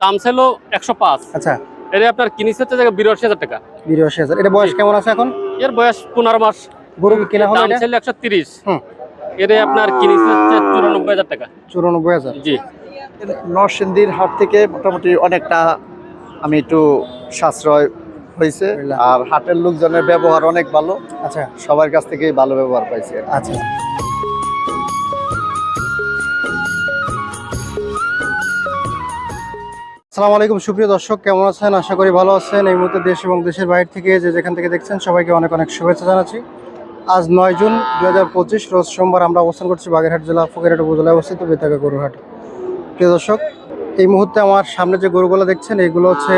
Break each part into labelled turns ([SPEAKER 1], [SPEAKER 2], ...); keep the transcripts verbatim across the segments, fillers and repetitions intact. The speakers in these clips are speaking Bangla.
[SPEAKER 1] দাম ছিল একশো পাঁচ।
[SPEAKER 2] আচ্ছা,
[SPEAKER 1] এটা আপনার কিনেছে হচ্ছে বিরাশি হাজার টাকা।
[SPEAKER 2] বিরাশি হাজার। এটা বয়স কেমন আছে এখন?
[SPEAKER 1] এর বয়স পনেরো মাস।
[SPEAKER 2] গরু কি কেনা হলো?
[SPEAKER 1] দাম
[SPEAKER 2] এটা
[SPEAKER 1] ছিল একশো তিরিশ।
[SPEAKER 2] হুম,
[SPEAKER 1] এটা আপনার কিনেছে হচ্ছে চুরানব্বই হাজার টাকা।
[SPEAKER 2] চুরানব্বই হাজার।
[SPEAKER 1] জি।
[SPEAKER 3] নরসিংদীর হাট থেকে মোটামুটি অনেকটা আমি একটু সাশ্রয় হয়েছে। আর হাটের লোকজনের ব্যবহার অনেক ভালো।
[SPEAKER 2] আচ্ছা,
[SPEAKER 3] সবার কাছ থেকেই ভালো ব্যবহার পাইছি।
[SPEAKER 2] আচ্ছা। আসসালামু আলাইকুম সুপ্রিয় দর্শক, কেমন আছেন? আশা করি ভালো আছেন। এই মুহূর্তে দেশ এবং দেশের বাইরে থেকে যে যেখান থেকে দেখছেন সবাইকে অনেক অনেক শুভেচ্ছা জানাচ্ছি। আজ নয় জুন দুই হাজার পঁচিশ রোজ সোমবার। আমরা অবস্থান করছি বাগেরহাট জেলা ফকিরহাট উপজেলায় অবস্থিত বেতাগা গরুর হাট। প্রিয় দর্শক, এই মুহূর্তে আমার সামনে যে গরুগুলো দেখছেন এগুলো হচ্ছে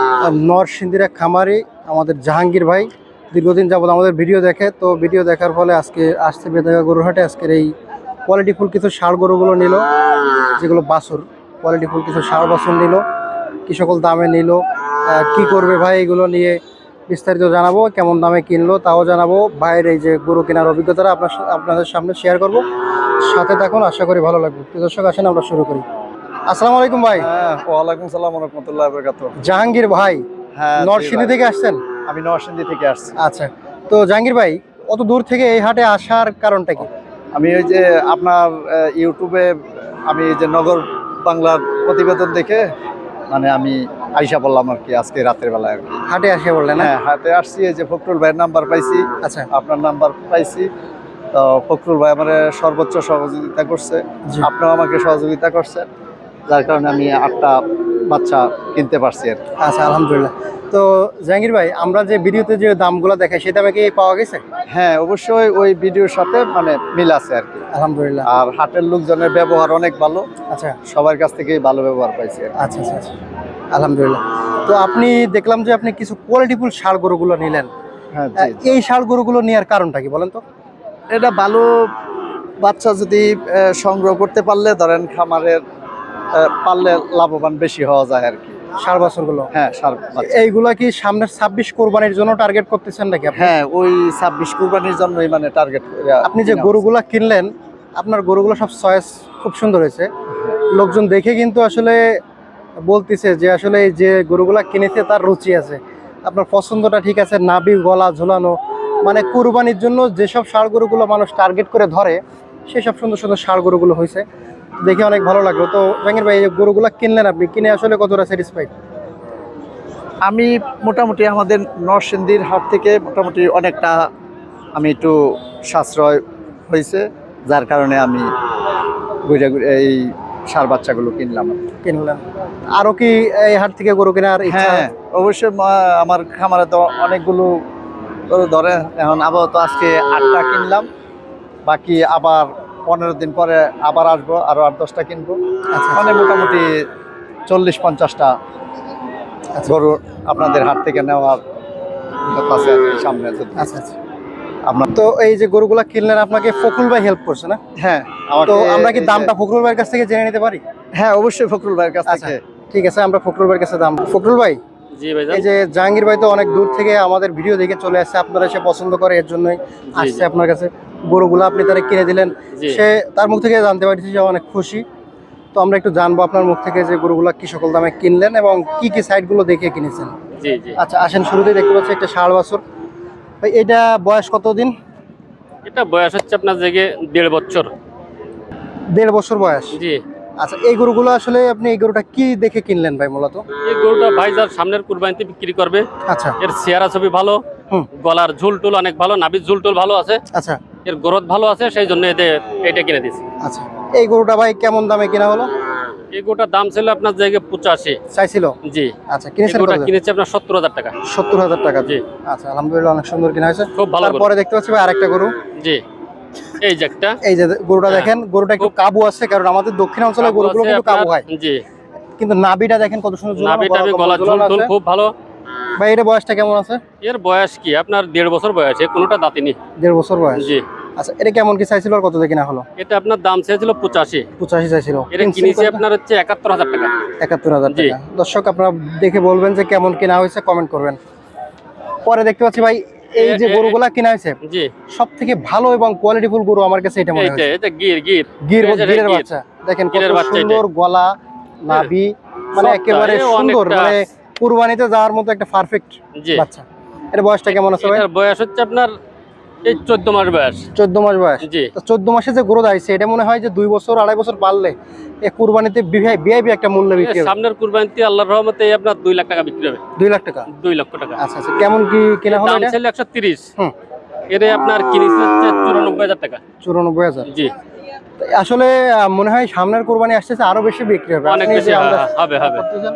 [SPEAKER 2] নরসিংদীর এক খামারি আমাদের জাহাঙ্গীর ভাই। দীর্ঘদিন যাবত আমাদের ভিডিও দেখে, তো ভিডিও দেখার ফলে আজকে আসছে বেতাগা গরুর হাটে। আজকের এই কোয়ালিটিফুল কিছু ষাঁড় গরুগুলো নিল, যেগুলো বাছুর কোয়ালিটিফুল কিছু ষাঁড় বাছুর নিল। কি সকল দামে নিল, কি করবে ভাই, এগুলো নিয়ে বিস্তারিত জানাবো। কেমন দামে কিনলো তাও জানাবো। ভাইয়ের এই যে গরু কেনার অভিজ্ঞতাটা আপনার আপনাদের সামনে শেয়ার করব। সাথে থাকুন, আশা করি ভালো লাগবে। প্রিয় দর্শক, আসেন আমরা শুরু করি। আসসালামু আলাইকুম ভাই।
[SPEAKER 3] হ্যাঁ, ওয়ালাইকুম সালাম ওয়া রাহমাতুল্লাহি ওয়া বারাকাতুহু।
[SPEAKER 2] জাহাঙ্গীর ভাই,
[SPEAKER 3] হ্যাঁ,
[SPEAKER 2] নরসিংদী থেকে আসছেন?
[SPEAKER 3] আমি নরসিংদী থেকে আসছি।
[SPEAKER 2] আচ্ছা, তো জাহাঙ্গীর ভাই অত দূর থেকে এই হাটে আসার কারণটা কি?
[SPEAKER 3] আমি ওই যে আপনার ইউটিউবে আমি যে নগর বাংলার প্রতিবেদন দেখে মানে আমি আইসা বললাম আর কি, আজকে রাতের বেলায় আর কি
[SPEAKER 2] হাটে আসে বললেন?
[SPEAKER 3] হ্যাঁ, হাটে আসছি। এই যে ফখরুল ভাইয়ের নাম্বার পাইছি।
[SPEAKER 2] আচ্ছা,
[SPEAKER 3] আপনার নাম্বার পাইছি, তো ফখরুল ভাই আমার সর্বোচ্চ সহযোগিতা করছে, আপনিও আমাকে সহযোগিতা করছেন, যার কারণে আমি আটটা বাচ্চা কিনতে পারছি আর কি।
[SPEAKER 2] আচ্ছা, আলহামদুলিল্লাহ। তো জাহাঙ্গীর ভাই, আমরা যে ভিডিওতে যে দামগুলো দেখাই সেই দামে কি পাওয়া গেছে?
[SPEAKER 3] হ্যাঁ, অবশ্যই ওই ভিডিওর সাথে মানে মিল আছে আর কি।
[SPEAKER 2] আলহামদুলিল্লাহ।
[SPEAKER 3] আর হাটের লোকজনের ব্যবহার অনেক ভালো।
[SPEAKER 2] আচ্ছা,
[SPEAKER 3] সবার কাছ থেকেই ভালো ব্যবহার পাইছি আর কি।
[SPEAKER 2] আচ্ছা আচ্ছা আচ্ছা, আলহামদুলিল্লাহ। তো আপনি দেখলাম যে আপনি কিছু কোয়ালিটিফুল ষাঁড় গরুগুলো নিলেন।
[SPEAKER 3] হ্যাঁ,
[SPEAKER 2] আহ, এই ষাঁড় গরুগুলো নেওয়ার কারণটা কি বলেন তো?
[SPEAKER 3] এটা ভালো বাচ্চা যদি আহ, সংগ্রহ করতে পারলে ধরেন খামারের আহ, পারলে লাভবান বেশি হওয়া যায় আর কি।
[SPEAKER 2] ষাঁড় বাছুরগুলো,
[SPEAKER 3] হ্যাঁ, সার বাচ্চা।
[SPEAKER 2] এইগুলা কি সামনের ছাব্বিশ কোরবানির জন্য টার্গেট করতেছেন নাকি আপনি?
[SPEAKER 3] হ্যাঁ, ওই ছাব্বিশ কুরবানির জন্যই মানে টার্গেট।
[SPEAKER 2] আপনি যে গরুগুলা কিনলেন, আপনার গরুগুলো সব চয়েস খুব সুন্দর হয়েছে। লোকজন দেখে কিন্তু আসলে বলতেছে যে আসলে এই যে গরুগুলা কিনেছে তার রুচি আছে। আপনার পছন্দটা ঠিক আছে, নাভি গলা ঝোলানো, মানে কুরবানির জন্য যেসব ষাঁড় গরুগুলো মানুষ টার্গেট করে ধরে সেসব সুন্দর সুন্দর ষাঁড় গরুগুলো হয়েছে, দেখে অনেক ভালো লাগলো। তো জাহাঙ্গীর ভাই, এই যে গরুগুলা কিনলেন আপনি, কিনে আসলে কতটা স্যাটিসফাইড?
[SPEAKER 3] আমি মোটামুটি আমাদের নরসিংদীর হাট থেকে মোটামুটি অনেকটা আমি একটু সাশ্রয় হয়েছে, যার কারণে আমি ঘুরে ঘুরে এই সার বাচ্চাগুলো কিনলাম।
[SPEAKER 2] কিনলেন আরো কি এই হাট থেকে গরু কেনার ইচ্ছা?
[SPEAKER 3] হ্যাঁ, অবশ্যই। মা- আমার খামারে তো অনেকগুলো গরু ধরে। এখন আপাতত আজকে আটটা কিনলাম, বাকি আবার পনেরো দিন পরে আবার আসবো, আরো আট দশটা কিনবো।
[SPEAKER 2] আচ্ছা,
[SPEAKER 3] মানে মোটামুটি চল্লিশ পঞ্চাশটা গরু আপনাদের হাট থেকে নেওয়ার কথা আছে আর কি সামনে। যদি
[SPEAKER 2] আচ্ছা আচ্ছা।
[SPEAKER 3] আপনার
[SPEAKER 2] তো এই যে গরুগুলা কিনলেন, আপনাকে ফখরুল ভাই হেল্প করছে না?
[SPEAKER 3] হ্যাঁ,
[SPEAKER 2] তো
[SPEAKER 3] আমাকে
[SPEAKER 2] আমরা কি
[SPEAKER 3] এই যে-
[SPEAKER 2] দামটা ফখরুল ভাইয়ের কাছ থেকে জেনে নিতে পারি?
[SPEAKER 3] হ্যাঁ, অবশ্যই ফখরুল ভাইয়ের কাছ
[SPEAKER 2] আচ্ছা,
[SPEAKER 3] থেকে।
[SPEAKER 2] ঠিক আছে, আমরা ফখরুল ভাইয়ের কাছে দাম। ফখরুল ভাই,
[SPEAKER 1] জি ভাই।
[SPEAKER 2] এই যে জাহাঙ্গীর ভাই তো অনেক দূর থেকে আমাদের ভিডিও দেখে চলে আসছে, আপনারা সে পছন্দ করে, এর জন্যই আসছে আপনার কাছে। গরুগুলো আপনি তারা কিনে দিলেন, সে তার মুখ থেকে জানতে পারছি যে অনেক খুশি। তো আমরা একটু জানবো আপনার মুখ থেকে যে গরুগুলা কি সকল দামে কিনলেন এবং কি কি সাইটগুলো দেখে কিনেছেন।
[SPEAKER 1] জি জি।
[SPEAKER 2] আচ্ছা, আসেন। শুরুতেই দেখতে পাচ্ছি একটা ষাঁড় বাছুর। ভাই, এটা বয়স কতদিন?
[SPEAKER 1] এটা বয়স হচ্ছে আপনার জায়গায় দেড় বছর।
[SPEAKER 2] দেড় বছর বয়স।
[SPEAKER 1] জি।
[SPEAKER 2] আচ্ছা, এই গরুগুলো আসলে আপনি এই গরুটা কি দেখে কিনলেন ভাই মূলত?
[SPEAKER 1] এই গরুটা ভাই যার সামনের কুরবানিতে বিক্রি করবে।
[SPEAKER 2] আচ্ছা,
[SPEAKER 1] এর চেহারা ছবি ভালো,
[SPEAKER 2] হুম,
[SPEAKER 1] গলার ঝুল টুল অনেক ভালো, নাভির ঝুল টুল ভালো আছে,
[SPEAKER 2] আচ্ছা
[SPEAKER 1] এর গ্রোথ ভালো আছে, সেই জন্য এদের এটা কিনে দিছি।
[SPEAKER 2] আচ্ছা। এই গরুটা ভাই কেমন দামে কেনা হলো?
[SPEAKER 1] এই গরুটার দাম ছিল আপনার জায়গায় পঁচাশি
[SPEAKER 2] চাইছিল?
[SPEAKER 1] জি।
[SPEAKER 2] আচ্ছা, কিনেছেন
[SPEAKER 1] গরুটা
[SPEAKER 2] কত?
[SPEAKER 1] কিনেছি আপনার সত্তর হাজার টাকা।
[SPEAKER 2] সত্তর হাজার টাকা।
[SPEAKER 1] জি।
[SPEAKER 2] আচ্ছা, আলহামদুলিল্লাহ, অনেক সুন্দর কিনা হয়েছে।
[SPEAKER 1] খুব ভালো গরু।
[SPEAKER 2] তারপরে দেখতে পাচ্ছি ভাই আরেকটা গরু।
[SPEAKER 1] জি। এই যে একটা,
[SPEAKER 2] এই যে গরুটা
[SPEAKER 1] হ্যাঁ,
[SPEAKER 2] দেখেন, গরুটা একটু কাবু আছে, কারণ আমাদের দক্ষিণ অঞ্চলের গরুগুলো কিন্তু কাবু হয়।
[SPEAKER 1] জি।
[SPEAKER 2] কিন্তু নাভিটা দেখেন কত সুন্দর ঝুলানো,
[SPEAKER 1] নাভি টাভি
[SPEAKER 2] গলা
[SPEAKER 1] গলা ঝুল
[SPEAKER 2] ঝুলানো
[SPEAKER 1] টুল
[SPEAKER 2] আছে।
[SPEAKER 1] খুব ভালো।
[SPEAKER 2] ভাই, এর বয়সটা কেমন আছে?
[SPEAKER 1] এর বয়স কি আপনার দেড় বছর বয়স, এ কোনোটা দাঁতিনি।
[SPEAKER 2] দেড় বছর বয়স।
[SPEAKER 1] জি।
[SPEAKER 2] আচ্ছা, এটা কেমন কি চাইছিল আর কত দিয়ে কিনা হলো?
[SPEAKER 1] এটা আপনার দাম চেয়েছিল পঁচাশি,
[SPEAKER 2] পঁচাশি চাইছিল।
[SPEAKER 1] এটা কিনেছি আপনার হচ্ছে একাত্তর হাজার টাকা।
[SPEAKER 2] একাত্তর হাজার
[SPEAKER 1] জি।
[SPEAKER 2] টাকা। দর্শক, আপনারা দেখে বলবেন যে কেমন কেনা হয়েছে, কমেন্ট করবেন। পরে দেখতে পাচ্ছি ভাই এই যে
[SPEAKER 1] এ- এ-
[SPEAKER 2] গরুগুলা কিনা হয়েছে,
[SPEAKER 1] জি।
[SPEAKER 2] সব থেকে ভালো এবং কোয়ালিটিফুল গরু আমার কাছে এটা মনে
[SPEAKER 1] এইটা
[SPEAKER 2] হয়েছে।
[SPEAKER 1] এটা গির গির
[SPEAKER 2] গির
[SPEAKER 1] এই যে
[SPEAKER 2] গিরের
[SPEAKER 1] গির।
[SPEAKER 2] বাচ্চা দেখেন, কত
[SPEAKER 1] গিরের বাচ্চা
[SPEAKER 2] সুন্দর গলা, নাভি, মানে
[SPEAKER 1] সবটা,
[SPEAKER 2] একেবারে
[SPEAKER 1] এ
[SPEAKER 2] সুন্দর,
[SPEAKER 1] অনেকটা-
[SPEAKER 2] মানে কুরবানিতে যাওয়ার মতো একটা পারফেক্ট
[SPEAKER 1] জি
[SPEAKER 2] বাচ্চা। এর বয়সটা কেমন আছে ভাই?
[SPEAKER 1] এটার বয়স হচ্ছে আপনার এই চোদ্দ মাস বয়স।
[SPEAKER 2] চোদ্দ মাস বয়স।
[SPEAKER 1] জি
[SPEAKER 2] তো চোদ্দ মাসে যে গ্রোথ আইছে, এটা মনে হয় যে দুই বছর আড়াই বছর পারলে এ কুরবানিতে বিআইবি একটা মূল্য
[SPEAKER 1] এ
[SPEAKER 2] বিক্রি হবে।
[SPEAKER 1] সামনের কুরবানিতে আল্লাহর রহমতে এই আপনার দুই লাখ টাকা বিক্রি হবে।
[SPEAKER 2] দুই লাখ টাকা।
[SPEAKER 1] দুই লক্ষ টাকা।
[SPEAKER 2] আচ্ছা আচ্ছা, কেমন কি কেনা হলো
[SPEAKER 1] দাম
[SPEAKER 2] এটা?
[SPEAKER 1] ছিল একশো তিরিশ।
[SPEAKER 2] হুম।
[SPEAKER 1] এর আপনার কিনেছে হচ্ছে চুরানব্বই হাজার টাকা।
[SPEAKER 2] চুরানব্বই হাজার।
[SPEAKER 1] জি
[SPEAKER 2] তো আসলে আহ, মনে হয় সামনের কোরবানি আসতেছে, আরো বেশি বিক্রি হবে।
[SPEAKER 1] অনেক
[SPEAKER 2] আপনি
[SPEAKER 1] বেশি
[SPEAKER 2] যে
[SPEAKER 1] হ্যাঁ,
[SPEAKER 2] আন্দাজ
[SPEAKER 1] হবে হবে
[SPEAKER 2] করতেছেন,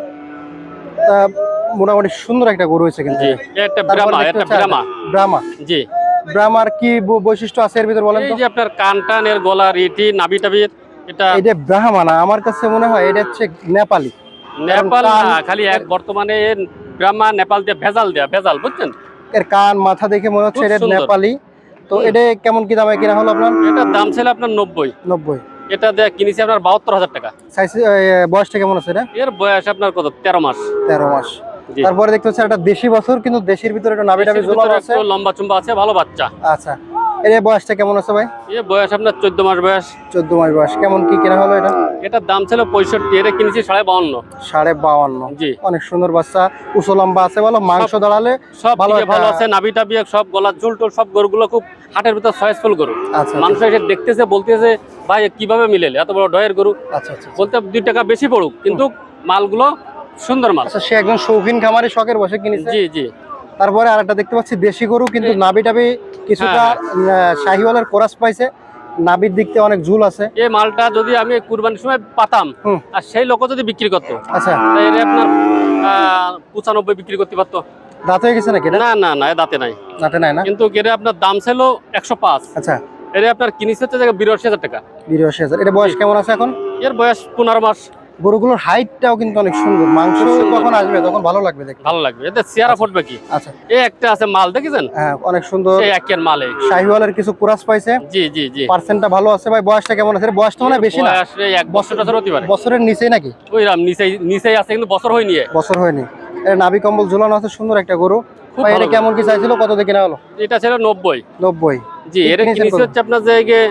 [SPEAKER 2] তা মোটামুটি সুন্দর একটা গরু হয়েছে কিন্তু।
[SPEAKER 1] জি এটা
[SPEAKER 2] তারপরে
[SPEAKER 1] ব্রাহ্মা,
[SPEAKER 2] দেখতে
[SPEAKER 1] এটা
[SPEAKER 2] হচ্ছে
[SPEAKER 1] ব্রাহ্মা।
[SPEAKER 2] আরেকটা, ব্রাহ্মা।
[SPEAKER 1] জি
[SPEAKER 2] ব্রাহ্মার কি বৈ- বৈশিষ্ট্য আছে এর ভিতর বলেন
[SPEAKER 1] এই
[SPEAKER 2] তো?
[SPEAKER 1] যে আপনার কান টান, এর গলা, রিটি, নাভি টাবির, এটা
[SPEAKER 2] এটা ব্রাহ্মা না, আমার কাছে মনে হয় এটা হচ্ছে নেপালি।
[SPEAKER 1] নেপাল
[SPEAKER 2] কারণ
[SPEAKER 1] না,
[SPEAKER 2] কান-
[SPEAKER 1] খালি এক বর্তমানে এর ব্রাহ্মা নেপাল দিয়ে ভেজাল দেয়া, ভেজাল বুঝছেন।
[SPEAKER 2] এর কান মাথা দেখে মনে হচ্ছে
[SPEAKER 1] খুব
[SPEAKER 2] এটা
[SPEAKER 1] সুন্দর।
[SPEAKER 2] নেপালি। তো
[SPEAKER 1] হুম।
[SPEAKER 2] এটা কেমন কি দামে কিনা হলো আপনার?
[SPEAKER 1] এটার দাম ছিল আপনার নব্বই।
[SPEAKER 2] নব্বই।
[SPEAKER 1] এটা দিয়ে কিনেছি আপনার বাহাত্তর হাজার টাকা।
[SPEAKER 2] সাইজ বয়সটা কেমন আছে এটা?
[SPEAKER 1] এর বয়স আপনার কত, তেরো মাস।
[SPEAKER 2] তেরো মাস।
[SPEAKER 1] জি।
[SPEAKER 2] তারপরে দেখতে হচ্ছে একটা দেশি বছর, কিন্তু দেশির ভিতরে একটা নাভি টাভি
[SPEAKER 1] দেশের
[SPEAKER 2] ঝোলানো
[SPEAKER 1] ভিতরে
[SPEAKER 2] আছে।
[SPEAKER 1] একটু লম্বা চুম্বা আছে, ভালো বাচ্চা।
[SPEAKER 2] আচ্ছা, এর বয়সটা কেমন আছে ভাই?
[SPEAKER 1] এ বয়স আপনার চোদ্দ মাস বয়স।
[SPEAKER 2] চোদ্দ মাস বয়স। কেমন কি কেনা হলো এটা?
[SPEAKER 1] এটার দাম ছিল পঁয়ষট্টি, এটা কিনেছি সাড়ে বাউন্ন।
[SPEAKER 2] সাড়ে বাউন্ন।
[SPEAKER 1] জি
[SPEAKER 2] অনেক সুন্দর বাচ্চা, উঁচু লম্বা আছে, ভালো মাংস দাঁড়ালে
[SPEAKER 1] সব
[SPEAKER 2] ভালো
[SPEAKER 1] দিকে
[SPEAKER 2] একটা-
[SPEAKER 1] ভালো আছে, নাভি টাবি সব, গলার ঝুল টুল সব, গরুগুলো খুব হাটের ভিতর সয়েসফুল গরু।
[SPEAKER 2] আচ্ছা
[SPEAKER 1] মানুষ এসে দেখতেছে, বলতেছে ভাই এ কিভাবে মিলেলে এত বড় ডয়ের গরু।
[SPEAKER 2] আচ্ছা আচ্ছা।
[SPEAKER 1] বলতে দুই টাকা বেশি পড়ুক, কিন্তু মালগুলো সুন্দর মাল।
[SPEAKER 2] আচ্ছা, সে একজন শৌখিন খামারি, শখের বসে কিনেছে।
[SPEAKER 1] জি জি
[SPEAKER 2] তারপরে আরেকটা দেখতে পাচ্ছি দেশি গরু, কিন্তু
[SPEAKER 1] এই-
[SPEAKER 2] নাভি টাভি কিছুটা
[SPEAKER 1] হ্যাঁ,
[SPEAKER 2] আহ, শাহিওয়ালের কোরাস পাইছে, নাভির দিক থেকে অনেক ঝুল আছে।
[SPEAKER 1] এই মালটা যদি আমি কুরবানির সময় পাতাম,
[SPEAKER 2] হুম।
[SPEAKER 1] আর সেই লোক যদি বিক্রি করতো,
[SPEAKER 2] আচ্ছা,
[SPEAKER 1] তাই এর আপনার আহ, পঁচানব্বই বিক্রি করতে পারতো।
[SPEAKER 2] দাঁত হয়ে গেছে নাকি এটা?
[SPEAKER 1] না না না, এ দাঁতে নাই।
[SPEAKER 2] দাঁতে নাই না।
[SPEAKER 1] কিন্তু এর আপনার দাম ছিল একশো পাঁচ।
[SPEAKER 2] আচ্ছা,
[SPEAKER 1] এর আপনার কিনেছে হচ্ছে বিরাশি হাজার টাকা।
[SPEAKER 2] বিরাশি হাজার। এটা বয়স কেমন আছে এখন?
[SPEAKER 1] এর বয়স পনেরো মাস।
[SPEAKER 2] গরুগুলোর হাইটটাও কিন্তু অনেক সুন্দর, মাংস
[SPEAKER 1] খুব সুন্দর।
[SPEAKER 2] যখন আসবে তখন ভালো লাগবে দেখতে।
[SPEAKER 1] ভালো লাগবে, এতে চেয়ারা ফুটবে কি।
[SPEAKER 2] আচ্ছা,
[SPEAKER 1] এই একটা আছে মাল, দেখেছেন
[SPEAKER 2] হ্যাঁ অনেক সুন্দর।
[SPEAKER 1] এই একের মাল এই।
[SPEAKER 2] শাহিওয়ালের কিছু কুরাস পাইছে,
[SPEAKER 1] জি জি জি
[SPEAKER 2] পার্সেন্টটা ভালো আছে। ভাই বয়সটা কেমন আছে? এর বয়সটা মানে বেশি না,
[SPEAKER 1] বয়স এই এক বছর টছর হতে পারে।
[SPEAKER 2] বছরের নিচেই নাকি?
[SPEAKER 1] ওইরাম নিচেই নিচেই আছে, কিন্তু বছর হয়নি এ।
[SPEAKER 2] বছর হয়নি। এর নাভি কম্বল ঝুলানো আছে, সুন্দর একটা গরু।
[SPEAKER 1] খুব
[SPEAKER 2] ভাই এটা
[SPEAKER 1] ভালো
[SPEAKER 2] কেমন কি চাইছিল, কত দিয়ে কিনা হলো?
[SPEAKER 1] এটা ছিল নব্বই।
[SPEAKER 2] নব্বই।
[SPEAKER 1] জি এর
[SPEAKER 2] কিনেছেন
[SPEAKER 1] কিনেছে
[SPEAKER 2] কত?
[SPEAKER 1] হচ্ছে আপনার জায়গায়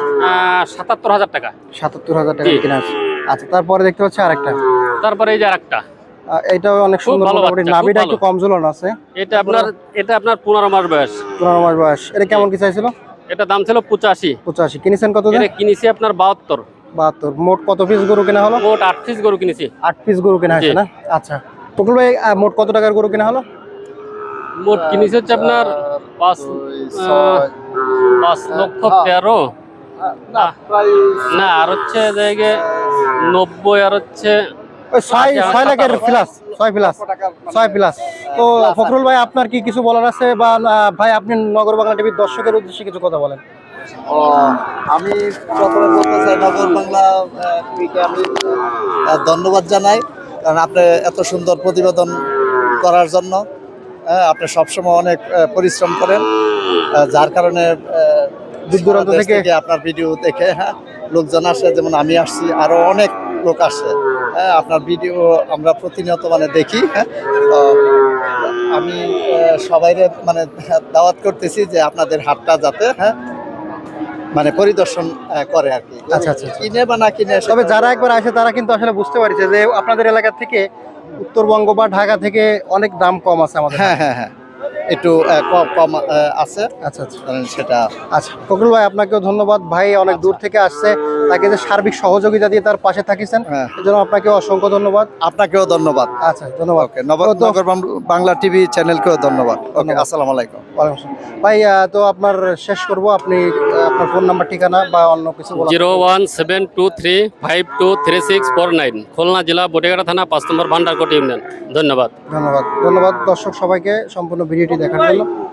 [SPEAKER 1] সাতাত্তর হাজার টাকা।
[SPEAKER 2] সাতাত্তর হাজার টাকা
[SPEAKER 1] জি।
[SPEAKER 2] কিনা আছে। আচ্ছা, তারপরে দেখতে পাচ্ছি আরেকটা,
[SPEAKER 1] তারপরে এই যে আরেকটা,
[SPEAKER 2] আহ, এটাও অনেক
[SPEAKER 1] খুব
[SPEAKER 2] সুন্দর,
[SPEAKER 1] ভালো
[SPEAKER 2] মোটামুটি
[SPEAKER 1] বাচ্চা, খুব
[SPEAKER 2] নাভিটা
[SPEAKER 1] ভালো।
[SPEAKER 2] একটু কম ঝুলানো আছে।
[SPEAKER 1] এটা আপনার এটা আপনার পনেরো মাস বয়স।
[SPEAKER 2] পনেরো মাস বয়স। এটা কেমন কি চাইছিল?
[SPEAKER 1] এটা দাম ছিল পঁচাশি।
[SPEAKER 2] পঁচাশি। কিনেছেন কত দিয়ে?
[SPEAKER 1] এটা কিনেছি আপনার বাহাত্তর।
[SPEAKER 2] বাহাত্তর। মোট কত পিস গরু কেনা হলো?
[SPEAKER 1] মোট আট পিস গরু কিনেছি।
[SPEAKER 2] আট পিস গরু কেনা হয়েছে
[SPEAKER 1] জি।
[SPEAKER 2] না? আচ্ছা, টুকুল ভাই আহ, মোট কত টাকার গরু কেনা হলো?
[SPEAKER 1] মোট কিনেছি হচ্ছে আপনার পাঁচ আহ, পাঁচ লক্ষ তেরো। না আর হচ্ছে জায়গায় নব্বই, আর হচ্ছে
[SPEAKER 2] ওই ছয়
[SPEAKER 1] আচ্ছা,
[SPEAKER 2] ছয় লাখের
[SPEAKER 1] সতেরো।
[SPEAKER 2] প্লাস, ছয় প্লাস, ছয় প্লাস। তো ফখরুল ভাই, আপনার কি কিছু বলার আছে? বা আহ, ভাই আপনি নগর বাংলা টিভির দর্শকের উদ্দেশ্যে কিছু কথা বলেন।
[SPEAKER 3] ও, আমি প্রথমে বলতে চাই নগর বাংলা আহ, টিভিকে আমি আহ, ধন্যবাদ জানাই, কারণ আপনি এত সুন্দর প্রতিবেদন করার জন্য হ্যাঁ, আপনি সবসময় অনেক আহ, পরিশ্রম করেন, আহ, যার কারণে আহ,
[SPEAKER 2] দূর দূরান্ত
[SPEAKER 3] সারা দেশ
[SPEAKER 2] থেকে-
[SPEAKER 3] আপনার ভিডিও দেখে হ্যাঁ লোকজন আসে, যেমন আমি আসছি, আরো অনেক লোক আসে। হ্যাঁ, আপনার ভিডিও আমরা প্রতিনিয়ত মানে দেখি। হ্যাঁ, তো আমি সবাইরে মানে দাওয়াত করতেছি যে আপনাদের হাটটা যাতে হ্যাঁ মানে পরিদর্শন আহ, করে আর কি।
[SPEAKER 2] আচ্ছা, আচ্ছা, আচ্ছা।
[SPEAKER 3] কিনে বা না কিনে
[SPEAKER 2] তবে যারা একবার আসে তারা কিন্তু আসলে বুঝতে পারছে যে আপনাদের এলাকা থেকে উত্তরবঙ্গ বা ঢাকা থেকে অনেক দাম কম আছে আমাদের।
[SPEAKER 3] হ্যাঁ হ্যাঁ হ্যাঁ একটু আহ, কম কম আহ, আছে,
[SPEAKER 2] আচ্ছা আচ্ছা
[SPEAKER 3] কারণ সেটা
[SPEAKER 2] আচ্ছা। ফখরুল ভাই, আপনাকেও ধন্যবাদ। ভাই অনেক দূর থেকে আসছে, তাকে যে সার্বিক সহযোগিতা দিয়ে তার পাশে থাকিছেন,
[SPEAKER 3] হ্যাঁ,
[SPEAKER 2] এজন্য আপনাকে অসংখ্য ধন্যবাদ।
[SPEAKER 3] আপনাকেও ধন্যবাদ।
[SPEAKER 2] আচ্ছা, ধন্যবাদ।
[SPEAKER 3] ওকে, নগর
[SPEAKER 2] তো-
[SPEAKER 3] নগর বাং- বাংলা টিভি চ্যানেলকেও ধন্যবাদ। ওকে,
[SPEAKER 2] ধন্যবাদ।
[SPEAKER 3] আসসালামু আলাইকুম।
[SPEAKER 2] ওয়ালাইকুম আসসালাম। ভাই আহ, তো আপনার শেষ করব, আপনি আহ, আপনার ফোন নাম্বার, ঠিকানা বা অন্য কিছু বলা।
[SPEAKER 1] Zero one seven two three five two three six four nine, Khulna জেলা বটিগাড়া থানা, পাঁচ নম্বর ভান্ডারকোট ইউনিয়ন। ধন্যবাদ।
[SPEAKER 2] ধন্যবাদ। ধন্যবাদ দর্শক সবাইকে সম্পূর্ণ ভিডিওটি দেখার জন্য।